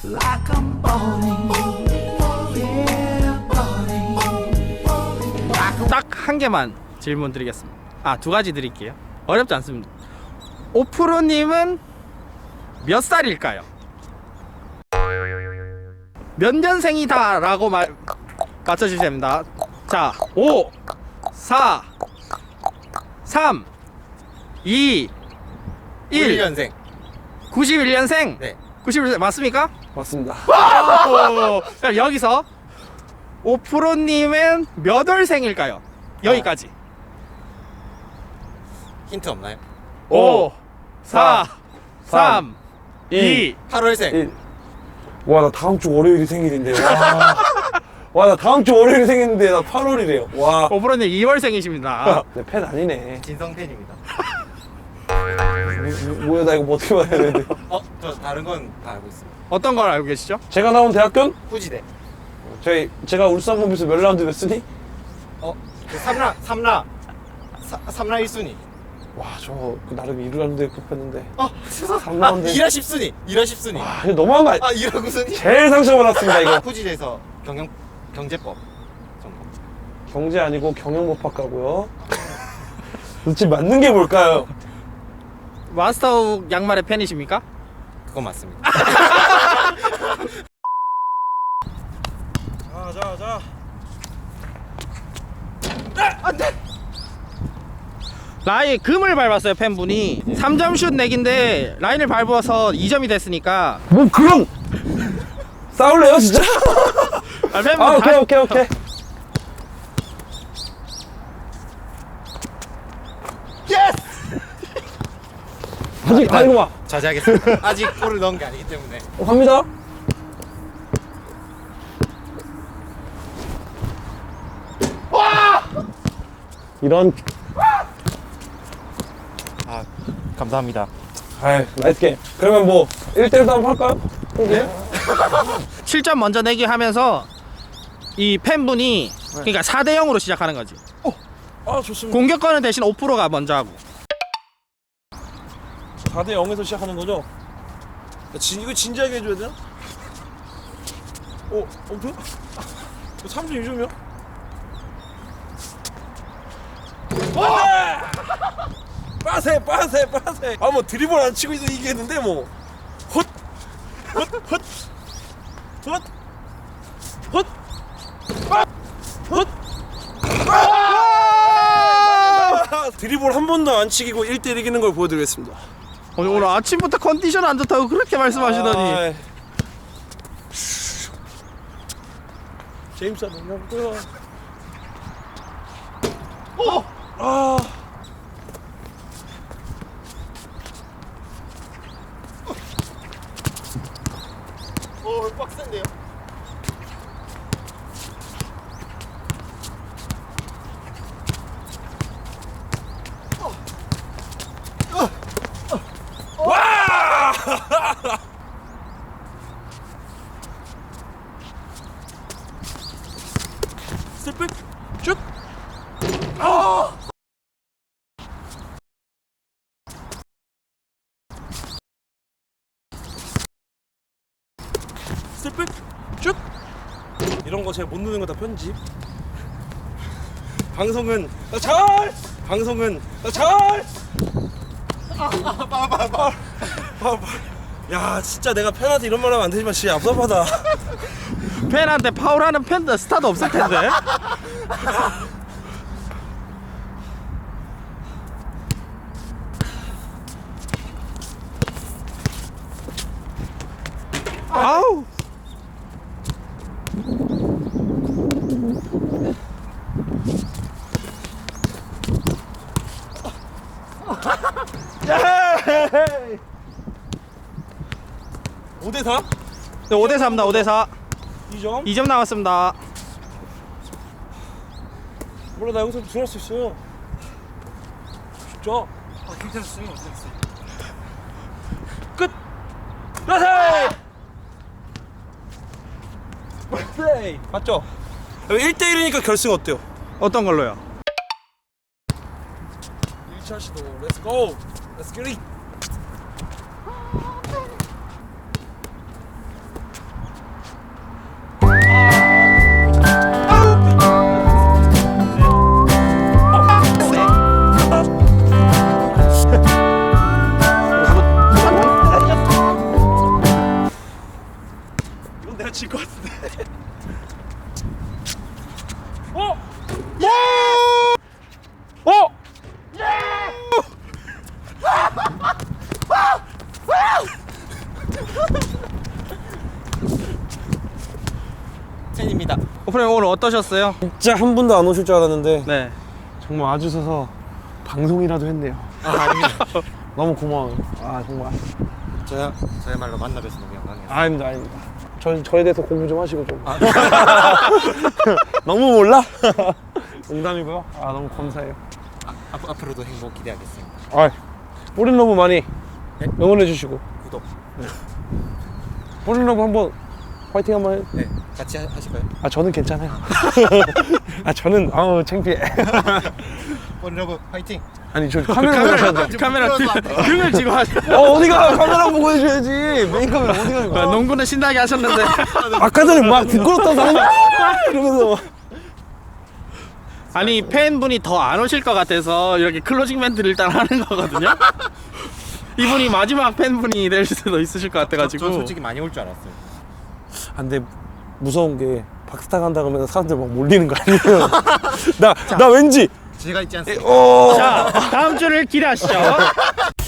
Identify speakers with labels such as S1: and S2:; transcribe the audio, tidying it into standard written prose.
S1: like I'm balling. Yeah, balling.
S2: 딱 한 개만 질문 드리겠습니다. 아, 두 가지 드릴게요. 어렵지 않습니다. 오프로님은 몇 살일까요? 몇 년생이다 라고 맞춰주시면 됩니다. 자, 5 4 3 2 1
S3: 91년생.
S2: 91년생?
S3: 네.
S2: 91년생 맞습니까?
S4: 맞습니다.
S2: 그럼 여기서 오프로님은 몇 월생일까요? 여기까지.
S3: 힌트 없나요?
S2: 5 4 3 2
S3: 8월생.
S4: 와, 나 다음 주 월요일이 생일인데. 와, 나 다음 주 월요일이 생일인데 나 8월이래요. 와.
S2: 오프로님 2월생이십니다.
S4: 내 팬 아니네.
S3: 진성 팬입니다.
S4: 뭐야, 나 이거 뭐 어떻게 말해야 돼?
S3: 저 다른 건 다 알고 있습니다.
S2: 어떤 걸 알고 계시죠?
S4: 제가 나온 대학교는?
S3: 후지대.
S4: 제가 울산 홈에서 몇 라운드 냈으니?
S3: 그 삼라 1순위.
S4: 와, 저 나름 2라운드에 뽑혔는데.
S3: 3라운드. 2라 10순위. 2라 10순위.
S4: 와, 이거 너무한 거 아니야?
S3: 2라 9순위.
S4: 제일 상처받았습니다, 이거.
S3: 후지대에서 경제법 전공.
S4: 경제 아니고 경영법학과고요. 도대체 맞는 게 뭘까요?
S2: 마스터욱 양말의 팬이십니까?
S3: 그건 맞습니다.
S4: 자.
S2: 라인 금을 밟았어요. 팬분이 3점 슛 내기인데 라인을 밟아서 2점이 됐으니까
S4: 뭐 그럼 싸울래요, 진짜?
S2: 팬분
S4: 아,
S2: 다시-
S4: 오케이. 아직 아니고 봐.
S3: 자제하겠습니다. 아직 골을 넣은 게 아니기 때문에.
S4: 갑니다. 이런.
S3: 감사합니다.
S4: 아이, 나이스 게임. 그러면 뭐 1대1도 한번 할까요? 네.
S2: 7점 먼저 내기 하면서 이 팬분이 그러니까 4대 0으로 시작하는 거지.
S4: 아, 좋습니다.
S2: 공격권은 대신 5%가 먼저 하고.
S4: 4대 0에서 시작하는 거죠? 이거 진지하게 해줘야 되나? 어떻게? 32점이요? 빠세! 아, 뭐 드리블 안 치고 있어 이기겠는데 뭐. 헛! 드리블 한 번도 안 치기고 1대1 이기는 걸 보여드리겠습니다.
S2: 오늘 아침부터 컨디션 안 좋다고 그렇게 말씀하시더니
S4: 아이. 제임스 너무
S3: 빡센데요?
S4: 스텝백 슛! 스텝백 슛! 이런 거 제가 못 넣는 거 다 편집. 방송은 야, 진짜 내가 팬한테 이런 말 하면 안 되지만 진짜 얍삽하다.
S2: 팬한테 파울하는 팬도 스타도 없을 텐데. 아우.
S4: 예! 5대4?
S2: 네, 5대 4입니다. 5대 4.
S4: 2점?
S2: 2점 남았습니다.
S4: 몰라, 나 여기서 들어갈 수 있어요. 진짜?
S3: 괜찮았어요.
S4: 끝! 라세! 플레이! 맞죠? 1대1이니까 결승 어때요?
S2: 어떤 걸로요?
S4: 1차 시도 렛츠고! 렛츠 기릿!
S2: 질 것 같은데.
S3: 팬입니다.
S2: 오프로님 오늘 어떠셨어요?
S4: 진짜 한 분도 안 오실 줄 알았는데
S2: 네.
S4: 정말 와주셔서 방송이라도 했네요.
S3: 아닙니다.
S4: 너무 고마워요. 아 정말.
S3: 저야말로 만나 뵈서 너무 영광이에요.
S4: 아닙니다, 아닙니다. 저에 대해서 공부 좀 하시고 좀. 너무 몰라? 농담이고요. 아 너무 감사해요.
S3: 앞으로도 행복 기대하겠습니다.
S4: 아, 뽀린러브 많이 응원해 주시고
S3: 구독.
S4: 뽀린러브 한번 화이팅 한번 해.
S3: 네, 같이 하실까요?
S4: 아 저는 괜찮아요. 아 저는 아우 창피해.
S3: 뽀린러브 화이팅.
S4: 아니 저 카메라 보고 하셔야죠.
S2: 카메라 등을 지고 하세요.
S4: 어디가 카메라 보고 해줘야지. 메인 카메라 어디 가는 거야?
S2: 농구는 신나게 하셨는데.
S4: 아까 전에 막 부끄럽다고 하는 거야. 이러면서
S2: 아니 팬분이 더 안 오실 것 같아서 이렇게 클로징 멘트를 일단 하는 거거든요. 이분이 마지막 팬분이 될 수도 있으실 것 같아가지고.
S3: 저 솔직히 많이 올 줄 알았어요.
S4: 아, 근데 무서운 게 박스타 간다 그러면 사람들 막 몰리는 거 아니에요? 나 왠지
S3: 제가 있지 않습니까?
S4: 어.
S2: 자 다음 주를 기대하시죠.